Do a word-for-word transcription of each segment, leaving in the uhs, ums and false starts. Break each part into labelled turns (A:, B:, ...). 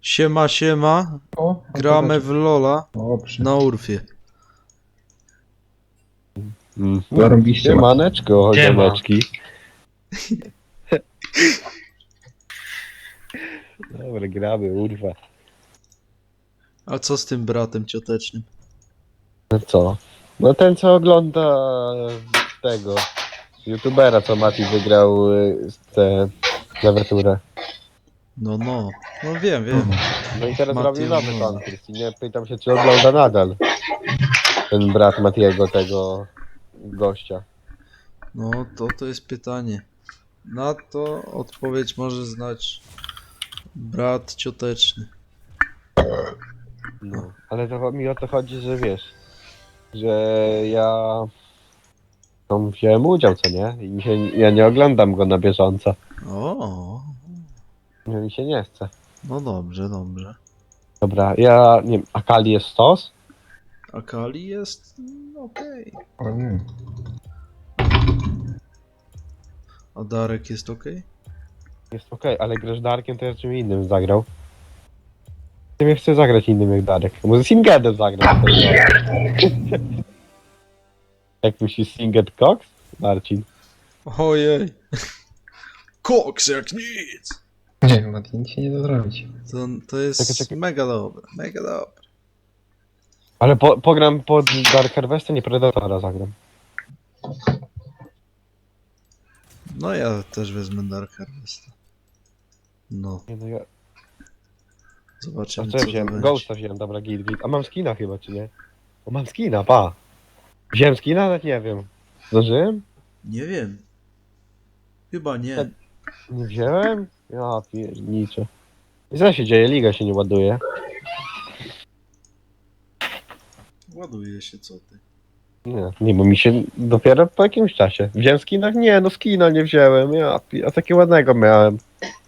A: Siema, siema.
B: O,
A: Gramy w Lola
B: Dobrze.
A: na Urfie.
C: Mm.
B: Zarobiście.
C: Siemaneczko,
D: Siema.
C: ziomeczki. Dobra, gramy, urwa.
A: A co z tym bratem ciotecznym?
C: No co? No ten, co ogląda tego youtubera, co Mati wygrał y, tę klawiaturę.
A: No, no. No wiem, wiem.
C: No i teraz
A: Mati
C: robił nowy
A: ogląda.
C: konkurs i nie pytam się, czy ogląda nadal ten brat Matiego, tego gościa.
A: No, to to jest pytanie. Na to odpowiedź może znać brat cioteczny.
C: No. Ale to mi o to chodzi, że wiesz, że ja tam wziąłem udział, co nie? I mi się, ja nie oglądam go na bieżąco.
A: O,
C: No mi się nie chce.
A: no dobrze, dobrze.
C: Dobra, ja nie wiem, Akali jest stos?
A: A Kali jest mm, okej.
B: O nie.
A: A Darek jest okej?
C: Jest okej, ale grasz Darkiem, to ja czym innym zagrał. Ja nie chcę zagrać innym jak Darek. Może Singedem zagrać. Jak myślisz Singed Cox? Marcin.
A: Ojej. Koks jak nic.
B: Nie, Mati, nic się nie da zrobić.
A: To, to jest
C: Czekaj, czekaj.
A: mega dobre, mega dobre.
C: Ale po, pogram pod Dark Harvesta, nie Predatora zagram.
A: No ja też wezmę Dark Harvesta. No,
C: Nie, no ja... A
A: zobaczymy
C: co
A: co
C: ja
A: to
C: wziąłem?
A: będzie.
C: Ghosta wziąłem, dobra, git, git. A mam skina chyba, czy nie? O, mam skina, pa. Wziąłem skina? Nawet nie wiem. Zdążyłem?
A: Nie wiem. Chyba nie.
C: Nie wziąłem? Ja pierniczę. I co się dzieje? Liga się nie ładuje.
A: Ładuje się, co ty.
C: Nie, nie, bo mi się dopiero po jakimś czasie. Wziąłem skina? Nie, no skina nie wziąłem. Ja, pi- a takiego ładnego miałem.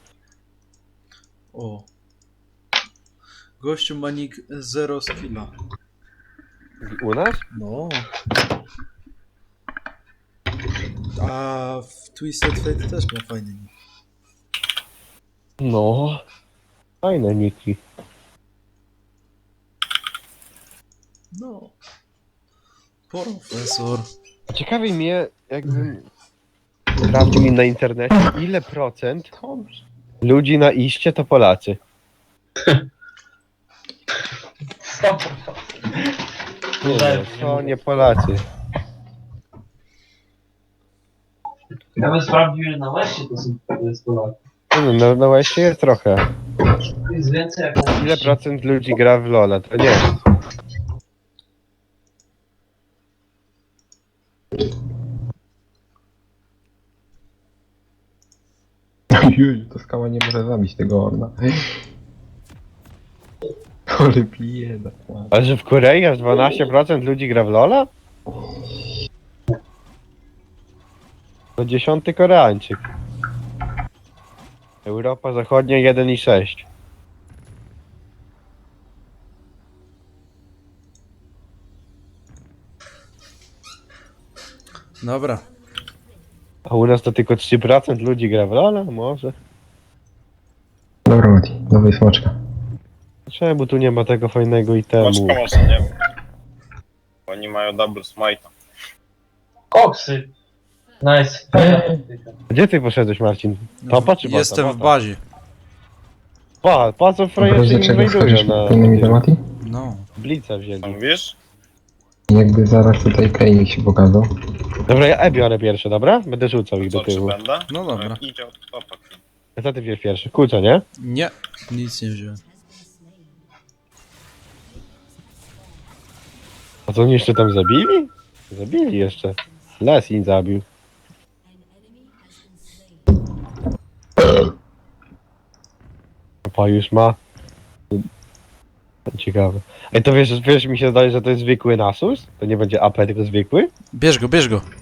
A: O. Gościu ma nick zero skilla.
C: U nas?
A: No. A w Twisted Fate też ma fajny nick.
C: No. Fajne niki.
A: No. Profesor.
C: Ciekawi mnie, jakbym sprawdził mi na internecie, ile procent
B: Dobrze.
C: ludzi na iście to Polacy. Nie, nie, to nie Polacy.
D: Ja bym sprawdził, ile na Westie to są to jest Polaków.
C: No, no, no właśnie jest trochę.
D: To jest więcej jak na
C: Ile procent ludzi gra w Lola? To nie.
B: Juj, to skała nie może zabić tego orna. Ale bieda.
C: Ale że w Korei aż dwanaście procent ludzi gra w Lola? To dziesiąty Koreańczyk. Europa Zachodnia jeden i sześć.
A: Dobra.
C: A u nas to tylko trzy procent ludzi gra w Lola? Może.
B: Dobra, Mati, dawaj smoczka.
C: Czemu tu nie ma tego fajnego itemu?
E: Maczka może nie wiem. Oni mają double smite.
D: koksy. Nice.
C: Gdzie ty poszedłeś, Marcin? Topa czy bota?
A: Jestem w
C: Bota.
A: bazie.
C: Pa, pa co frajerzy
B: Dlaczego
C: inwajdują
B: wchodzisz
C: na
B: w innymi Mati?
A: No.
C: Blica wzięli.
E: Co mówisz?
B: Jakby zaraz tutaj Kane się pokazał.
C: Dobra, ja E biorę pierwsze, dobra? Będę rzucał ich do
E: Co, czy
C: tyłu.
E: będę?
A: No dobra.
E: Idzie od topa.
C: A co ty wziąłeś pierwszy? Kuca, nie?
A: Nie. Nic nie wziąłem.
C: A co oni jeszcze tam zabili? Zabili jeszcze. Lesin zabił. Pa już ma. Ciekawe. Ej, to wiesz, wiesz, mi się zdaje, że to jest zwykły Nasus? To nie będzie A P, tylko zwykły?
A: Bierz go, bierz go.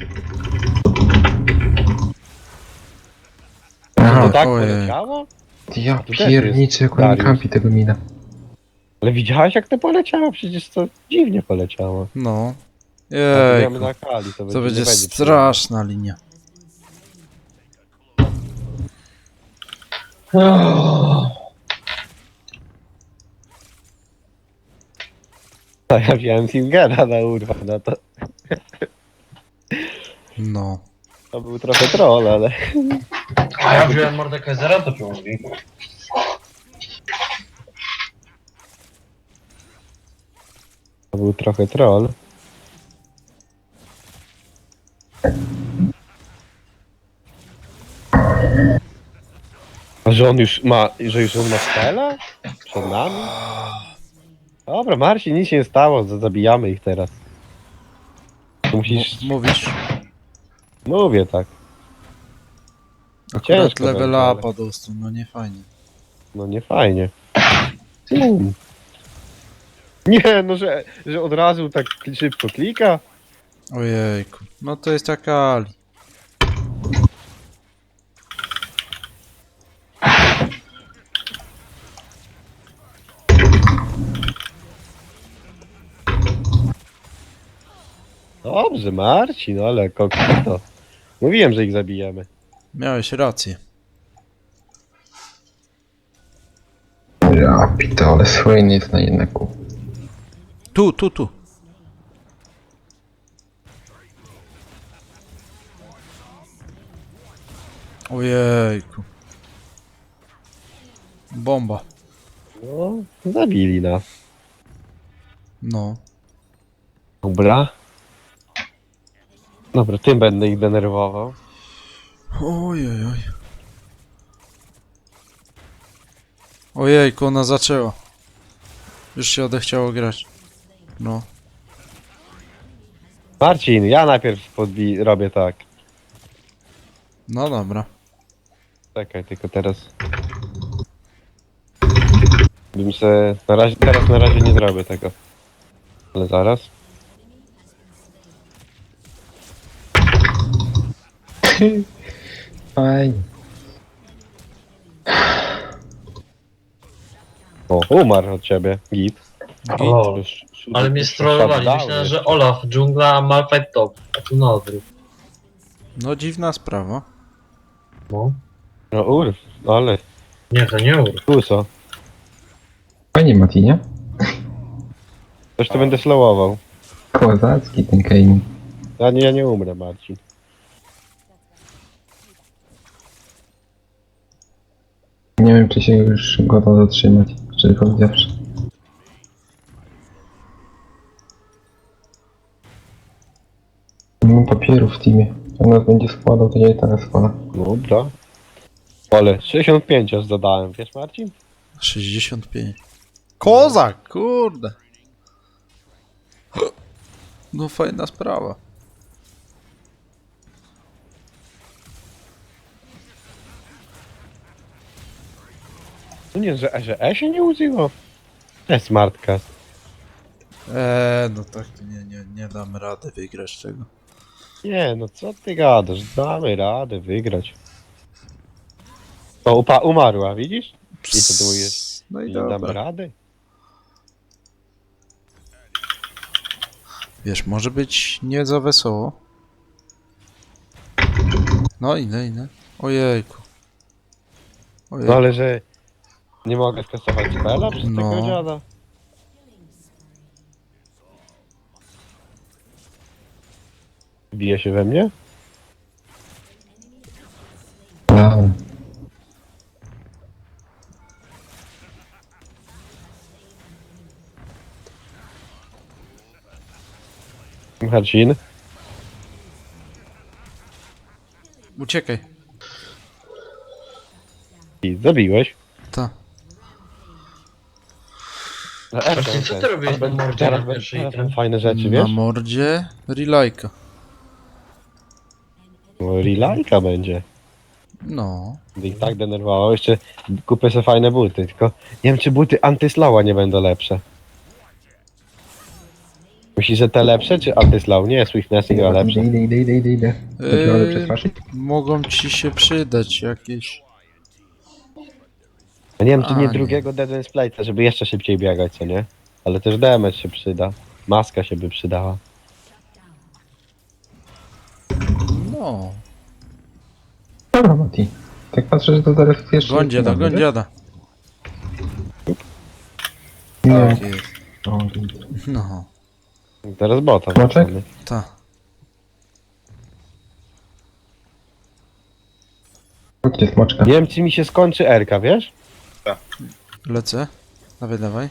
C: To
B: Aha,
C: tak
A: ojej.
C: poleciało?
B: ja
C: tu też
B: pierniczę, jak on
C: Dariusz.
B: kampi tego mina.
C: Ale widziałeś jak to poleciało? Przecież to dziwnie poleciało.
A: No.
C: A tu
A: Jej.
C: gramy na Kali, to,
A: To będzie
C: nie będzie
A: straszna linia.
C: A ja wziąłem Singera na urwa, no to,
A: No.
C: to był trochę troll, ale...
D: A ja wziąłem Mordekaisera, to czemu mówi?
C: To był trochę troll. A że on już ma, że już on ma spela? Przed nami? Dobra, Marcin, nic się nie stało, z- zabijamy ich teraz. Tu musisz...
A: M- mówisz?
C: Mówię tak.
A: Akurat
C: Ciężko
A: level
C: będzie, ale-
A: upa dostał, no nie fajnie.
C: No nie fajnie. Mm. Nie, no że, że od razu tak szybko klika.
A: Ojejku. No to jest taka Ali.
C: Dobrze, Marcin, ale kokito. Mówiłem, że ich zabijemy.
A: Miałeś rację.
B: Ja pitole, słynny jest na jednaku.
A: Tu, tu, tu. Ojejku. Bomba.
C: No, zabili nas.
A: No.
C: Dobra. Dobra, tym będę ich denerwował.
A: Ojej. Ojejku, ona zaczęła. Już się odechciało grać. No.
C: Marcin, ja najpierw podbi robię tak.
A: No dobra.
C: Czekaj, tylko teraz. Bym se. Na razie, teraz na razie nie zrobię tego. Ale zaraz.
B: Fajnie.
C: O, umarł od ciebie. Git.
D: O,
C: Już-
D: ale mnie
C: już
D: strollowali.
C: shutdown
D: Myślałem,
C: jest.
D: że Olaf, dżungla, a Malphite top. A tu na odwrót.
A: No dziwna sprawa.
D: No.
C: No urw, ale.
D: Nie, to nie ur.
C: Kuso.
B: Fajnie, Mati, nie?
C: Coś to będę slowował.
B: Kozacki ten Kane.
C: Ja nie, ja nie umrę, Marcin.
B: Nie wiem, czy się już go da zatrzymać, szczerze powiedziawszy. Nie mam papierów w teamie. Jak nas będzie składał, to ja i teraz składa.
C: Dobra. Ale sześćdziesiąt pięć aż zadałem, wiesz Marcin?
A: sześćdziesiąt pięć. Kozak, kurde. No fajna sprawa.
C: No nie, że, że E się nie użyło? To jest smartcast.
A: Eee, no tak to nie, nie, nie damy rady wygrać tego.
C: Nie, no co ty gadasz? Damy radę wygrać. O, upa umarła, widzisz? I co ty mówisz?
A: No i
C: Nie damy
A: dobra.
C: rady?
A: Wiesz, może być nie za wesoło. No ile, ile? Ojejku. Ojejku.
C: No ale że... Nie mogę skasować spela przez
A: No.
C: tego dziada? Bije się we mnie?
B: Down.
C: Marcin?
A: Uciekaj.
C: I zabiłeś.
A: Ta.
D: Marcin, co ty robiłeś na mordzie
C: teraz,
D: na pierwszej
C: teraz
D: ten?
C: mam fajne rzeczy,
A: Na
C: wiesz?
A: mordzie Relajka.
C: No, Relajka będzie.
A: No.
C: Będę ich tak denerwował. Jeszcze kupię sobie fajne buty, tylko nie wiem czy buty antyslała nie będą lepsze. Myślisz, że te lepsze, czy antyslow? Nie, Swiftness chyba lepsze.
B: Idę, idę, idę, idę, idę. Eee...
A: Eee,
B: przetwarzać?
A: mogą ci się przydać jakieś.
C: Ja nie wiem, czy
A: A,
C: nie
A: nie.
C: drugiego Dead and Splita, żeby jeszcze szybciej biegać, co nie? Ale też damage się przyda. Maska się by przydała.
A: No.
B: Dobra, Mati. Tak patrzę, że to zaraz jeszcze...
A: Goń dziada, goń dziada.
B: Nie,
A: Tak jest.
B: o,
A: No.
C: Teraz bota.
B: Smoczek?
C: wracamy.
A: Ta.
B: Chodźcie smoczka.
C: Nie wiem, czy mi się skończy Erka, wiesz?
A: Lecę. Dawaj, dawaj.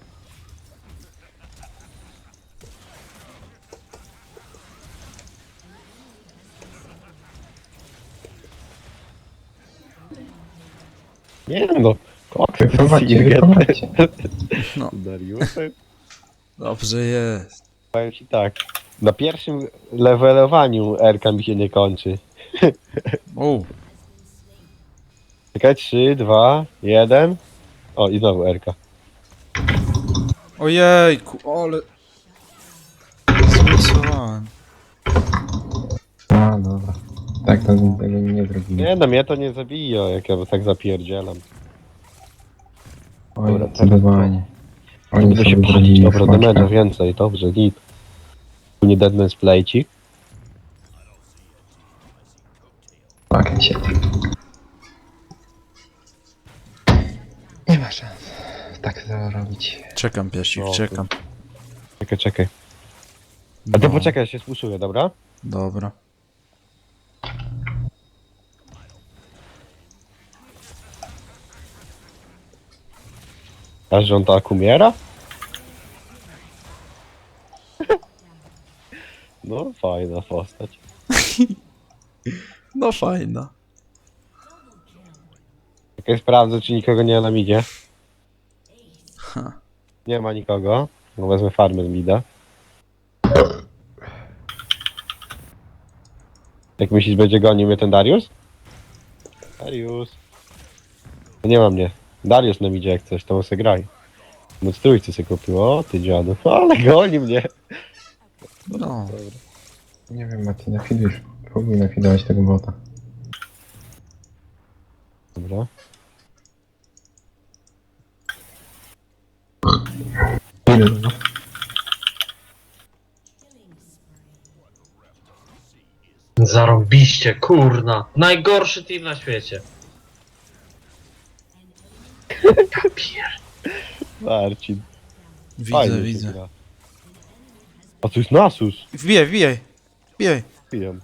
C: Nie no. Koks,
B: Wyprowadźcie,
C: Silget.
B: wyprowadźcie.
A: No.
C: Dariusem?
A: Dobrze jest.
C: Powiem ci tak. Na pierwszym levelowaniu Erka mi się nie kończy.
A: O,
C: Czekaj, trzy, dwa, jeden. O, i znowu Erka.
A: ojejku, ale... Zmisowałem.
B: A, dobra. Tak, to tego nie zrobimy.
C: Nie no, mnie to nie zabije, jak ja tak zapierdzielam.
B: Oj,
C: Dobra,
B: zdecydowanie. Oni
C: Będę się
B: sobie
C: palić,
B: zrobili
C: dobra,
B: smoczka.
C: damage'a więcej, dobrze, git. Tu nie deadman splejcik.
B: Tak, się. Nie ma szans. Tak to robić.
A: Czekam, piesik,
C: No,
A: czekam.
C: Czekaj, czekaj. A ty
A: No,
C: poczekaj, ja się spuszuję, dobra?
A: dobra.
C: Aż że on tak umiera? No, fajna postać.
A: No fajna.
C: Czekaj, sprawdzę, czy nikogo nie ma na midzie.
A: Ha.
C: Nie ma nikogo. No wezmę farmę z mida. Jak myślisz, będzie gonił mnie ten Darius? Darius. No nie ma mnie. Darius na midzie jak coś, to on se graj. No trójcy sobie kupił, o ty dziadu. Ale goni mnie.
A: No.
B: Nie wiem, Mati, nafidujesz. Próbuj nafidować tego bota.
C: Dobra.
B: Ile no?
D: Zarobiście, kurna. Najgorszy team na świecie. Ja pier...
C: Marcin.
A: Widzę,
C: Fajnie się
A: widzę.
C: gra. A tu jest Nasus.
A: Wbijaj, wbijaj. Wbijaj.
C: Pijem.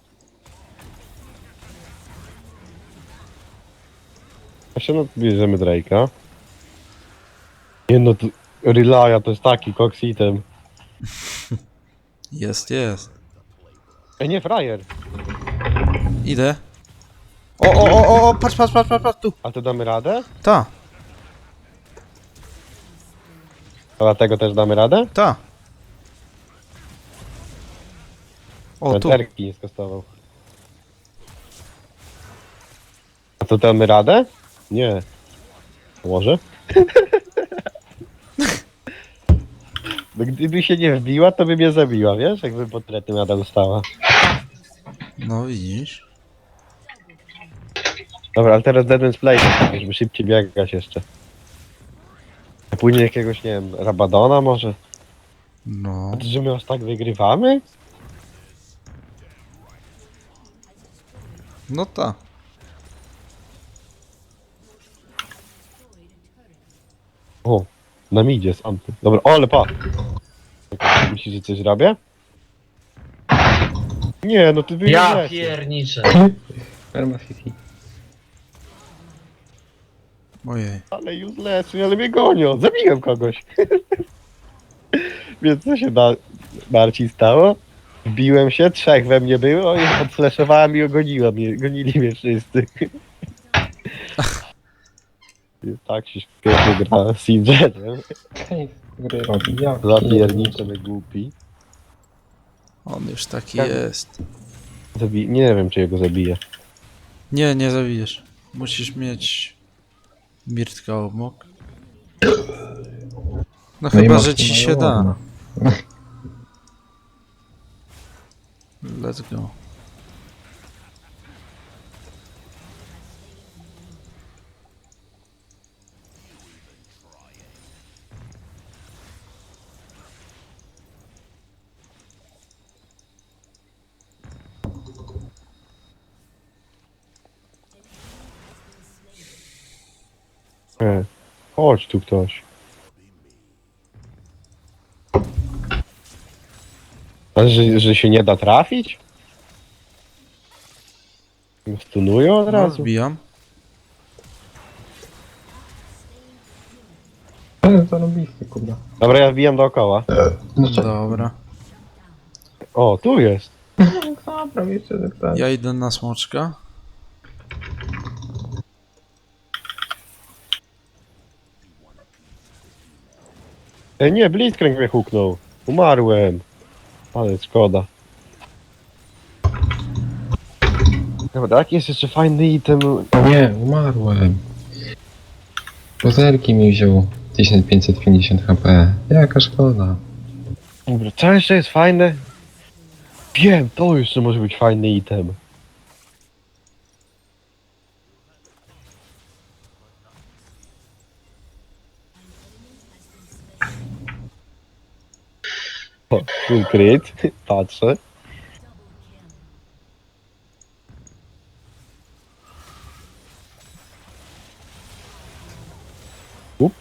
C: Właśnie no bierzemy Drake'a. Nie no, to Relaya to jest taki koksitem.
A: Jest, jest.
C: Ej nie, frajer.
A: Idę. O, o, o, o, o, patrz, patrz, patrz, patrz, patrz, tu.
C: A to damy radę?
A: Ta,
C: A dlatego też damy radę?
A: ta. O, tu.
C: Erki nie skostował. A to damy radę? Nie. Może? No gdyby się nie wbiła, to by mnie zabiła, wiesz? Jakby portrety nadal stała.
A: No widzisz.
C: Dobra, ale teraz Dead Man's Play, żeby szybciej biegać jeszcze. A później jakiegoś, nie wiem, Rabadona może?
A: No.
C: A to, że my aż tak wygrywamy?
A: No ta.
C: O, na midzie z Anty. Dobra, o, ale pa! Myślisz, że coś robię? Nie, no ty wyjdziesz.
D: Ja pierniczę.
B: Perma City.
A: Ojej.
C: Ale useless, ale mnie gonią. Zabiłem kogoś. Więc co się da, Marcin stało? Wbiłem się, trzech we mnie było i odfleszowałem i ogoniłem mnie. Gonili mnie wszyscy. Tak się świetnie gra z Singenem.
B: Hej, gry robi. Ja
C: Zapierniczę, my głupi.
A: On już taki
C: Tak.
A: jest.
C: Zabi nie wiem, czy jego zabiję.
A: Nie, nie zabijesz. Musisz mieć Mirtka obok. No,
B: No i
A: chyba,
B: masz
A: że ci się
B: ładno.
A: da. Let's go.
C: E, chodź tu ktoś. Ale że, że się nie da trafić? Stunują od
A: No,
C: razu?
A: zbijam.
B: Ale zarobisty, kurwa.
C: Dobra, ja wbijam dookoła.
B: No co?
A: Dobra.
C: O, tu jest.
B: Dobra, jeszcze tak tak.
A: Ja idę na smoczka.
C: Ej, nie, Blitzcrank mnie huknął. Umarłem. Ale szkoda. Dobra, jaki jest jeszcze fajny item?
B: Nie, umarłem. Pozerki mi wziął tysiąc pięćset pięćdziesiąt H P. Jaka szkoda.
C: Dobra, co jeszcze jest fajne? Wiem, to jeszcze może być fajny item. O, full crit, patrzę. Up.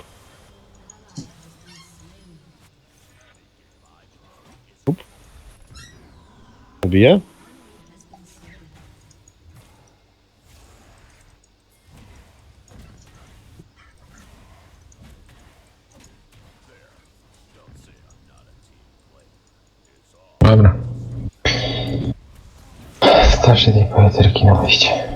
C: Up. Ubiję?
B: Dobra. Starszy tej poeterki na wyjście.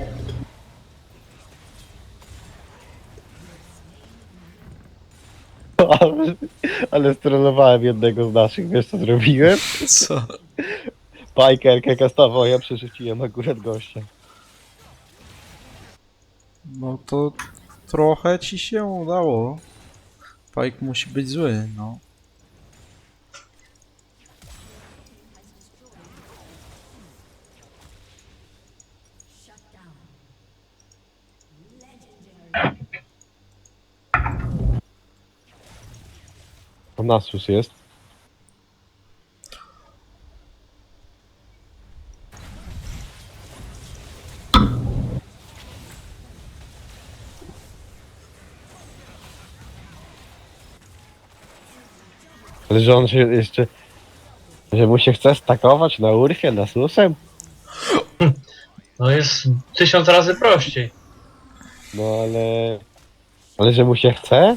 C: Ale, ale stronowałem jednego z naszych, wiesz co zrobiłem?
A: Co?
C: Pajkerkę kastował, ja przerzuciłem akurat gościa.
A: No to trochę ci się udało. Pike musi być zły, no.
C: Tam Nasus jest. Ale że on się jeszcze... Że mu się chce stakować na urfie Nasusem?
D: No jest tysiąc razy prościej.
C: No ale... Ale że mu się chce?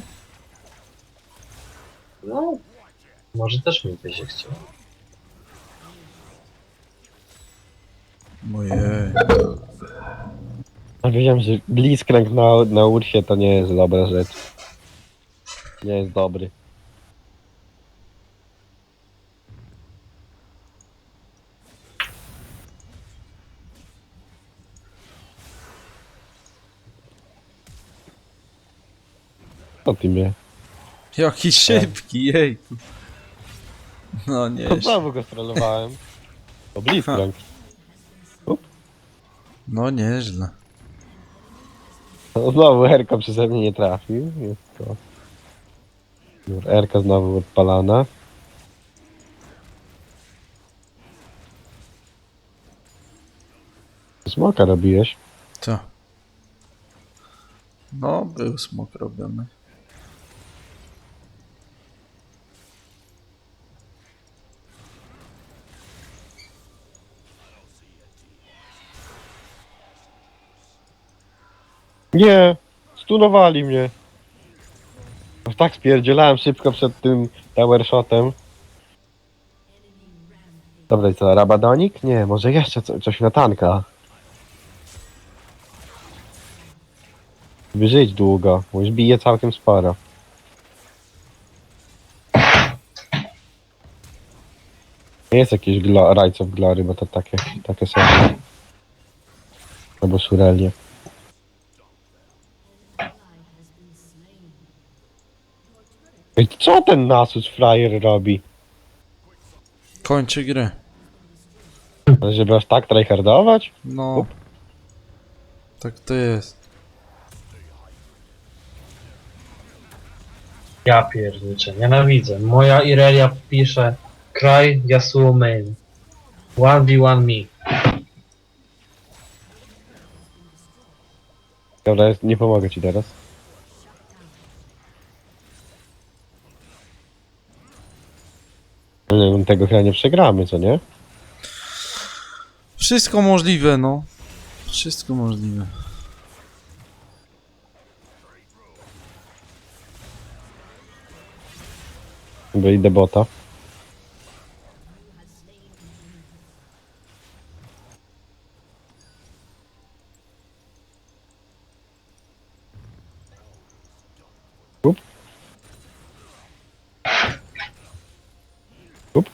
D: No, może też mi by się chciało.
A: Ojej.
C: A wiedziałem, że Blitzcrank na, na urfie to nie jest dobra rzecz. Nie jest dobry. Co ty mnie?
A: Jaki szybki, jejku. No nie.
C: To znowu go strollowałem. To Blitzcrank.
A: No nieźle.
C: No, znowu Erka przeze mnie nie trafił. Jest to... Dobra, Erka znowu odpalana. Smoka robiłeś?
A: Co? No, był smok robiony.
C: Nie! Stunowali mnie! Aż tak spierdzielałem szybko przed tym tower shotem. Dobra, i co? Rabadonik? Nie, może jeszcze co, coś na tanka. By żyć długo, bo już bije całkiem sporo. Nie jest jakieś glo Rights of Glory, bo to takie, takie są. Albo Surelie. Ej, co ten Nasus frajer robi?
A: Kończy grę.
C: Ale żeby aż tak tryhardować?
A: No. Tak to jest.
D: Ja pierniczę, nienawidzę. Moja Irelia pisze Cry Yasuo main. one v one me.
C: Dobra, nie pomogę ci teraz. Ale tego chyba nie przegramy, co nie?
A: Wszystko możliwe, no. Wszystko możliwe.
C: Bo idę bota. Up. Up.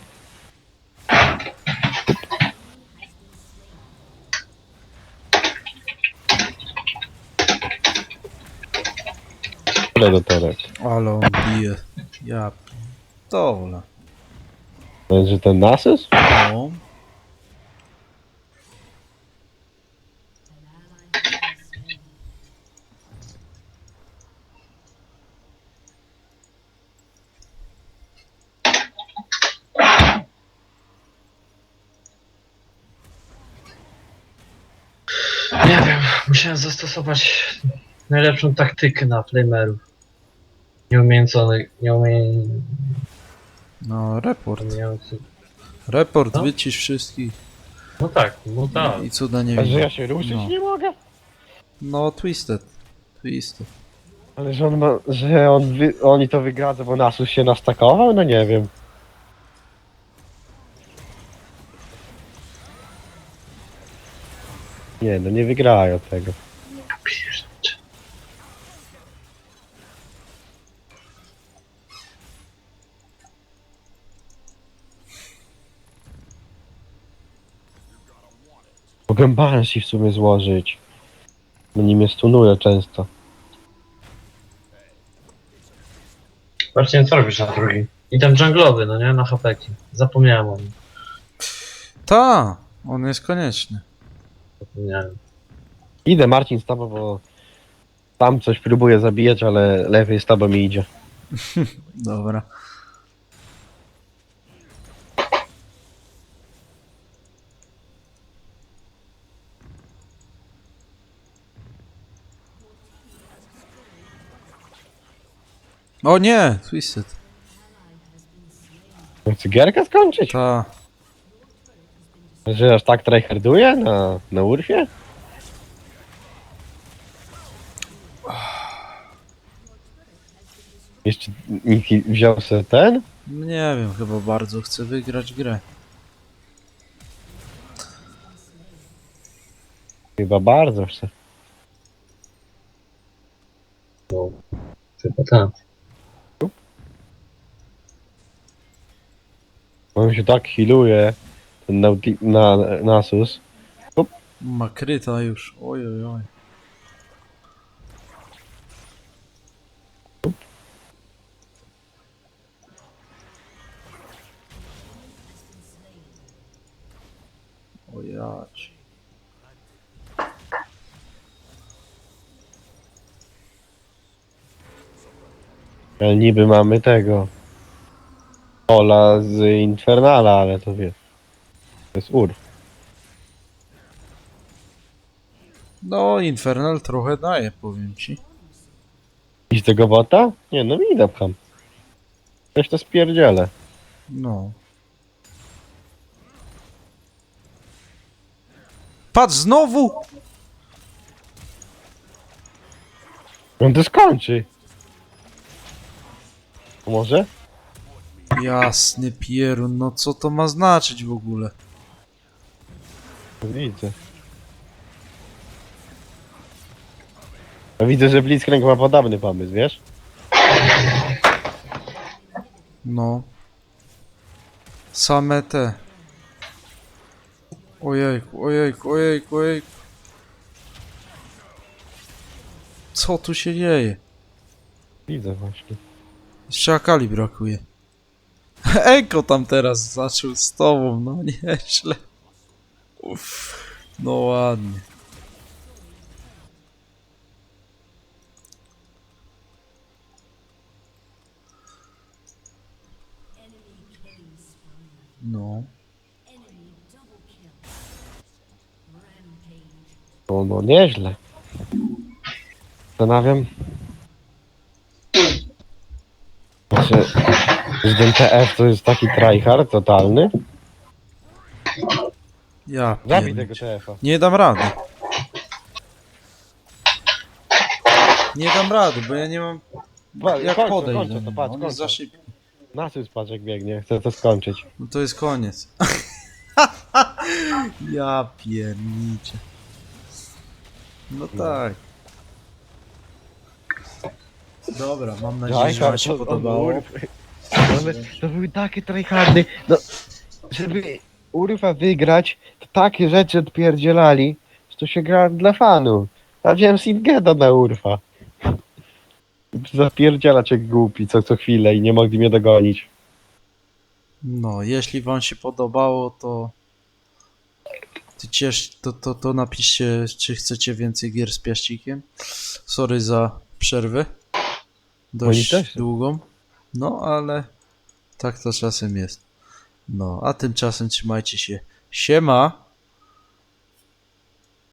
C: Tyle do torek.
A: Ale on bije. Ja pierdolę.
C: Będzie ten Nasus?
A: No.
D: Nie wiem, musiałem zastosować najlepszą taktykę na flamerów. Nieumiejęconych, nieumie...
A: No, report.
D: Umiejący.
A: Report,
D: No.
A: wycisz wszystkich.
D: No tak, no tak.
A: I cuda nie
C: A że
A: widzę.
C: ja się ruszyć
A: No.
C: nie mogę?
A: No, twisted. Twisted.
C: Ale że on ma, że on wy, oni to wygradzą, bo Nasus się nastakował? No nie wiem. Nie, no nie wygrają tego.
D: Pierdzie.
C: Mogę Banshee w sumie złożyć. No nim mnie stunuje często.
D: Właśnie co robisz na drugi? I ten dżunglowy, no nie? Na hapeki. Zapomniałem o nim.
A: Ta! On jest konieczny.
D: Zapomniałem.
C: Idę Marcin z tobą, bo tam coś próbuję zabijać, ale lepiej z tobą mi idzie.
A: Dobra. O nie! Twisted.
C: Chcę gierkę skończyć?
A: Ta.
C: Że aż tak tryharduje na, na Urfie? Jeszcze nikt wziął sobie ten?
A: Nie wiem, chyba bardzo chcę wygrać grę.
C: Chyba bardzo chce.
D: No. Chyba tak.
C: On się tak healuje, ten nauti- na, Nasus.
A: Ma kryta już. Oj, oj, oj. O jać.
C: Ale niby mamy tego. Ola z Infernala, ale to wie. To jest Urf.
A: No, Infernal trochę daje, powiem ci.
C: I z tego bota? Nie, no mi pcham. Coś to spierdzielę.
A: No. Patrz, znowu!
C: On to skończy. Może?
A: Jasny pierun, no co to ma znaczyć w ogóle?
C: Widzę. Ja widzę, że Blitzcrank ma podobny pomysł, wiesz?
A: No. Same te. Ojejku, ojejku, ojejku, ojejku. Co tu się dzieje?
C: Widzę właśnie.
A: Jeszcze Akali brakuje. Eko tam teraz zaczął z tobą, no nieźle. Uff, no ładnie. No.
C: No, no nieźle. Zastanawiam. Znaczy, Że ten T F to jest taki tryhard totalny.
A: Ja
C: Zabij
A: pierniczę.
C: tego T F-a.
A: Nie dam rady. Nie dam rady, bo ja nie mam
C: Wa-
A: jak
C: kończę,
A: podejść
C: kończę
A: do
C: to,
A: niego.
C: patrz,
A: On jest za
C: kończę.
A: szybki.
C: Nasus patrz jak biegnie, chcę to skończyć.
A: No to jest koniec. Ja pierniczę. No tak. Dobra, mam nadzieję, że wam się podobało.
C: To były takie tryhardy. No, żeby Urfa wygrać, to takie rzeczy odpierdzielali, że to się gra dla fanów. A wziąłem Singeda na Urfa. Zapierdzielać jak głupi co, co chwilę i nie mogli mnie dogonić.
A: No, jeśli wam się podobało, to to, ciesz, to, to, to napiszcie, czy chcecie więcej gier z piaścikiem. Sorry za przerwę. Dość
C: też.
A: długą. No, ale tak to czasem jest. No, a tymczasem trzymajcie się. Siema!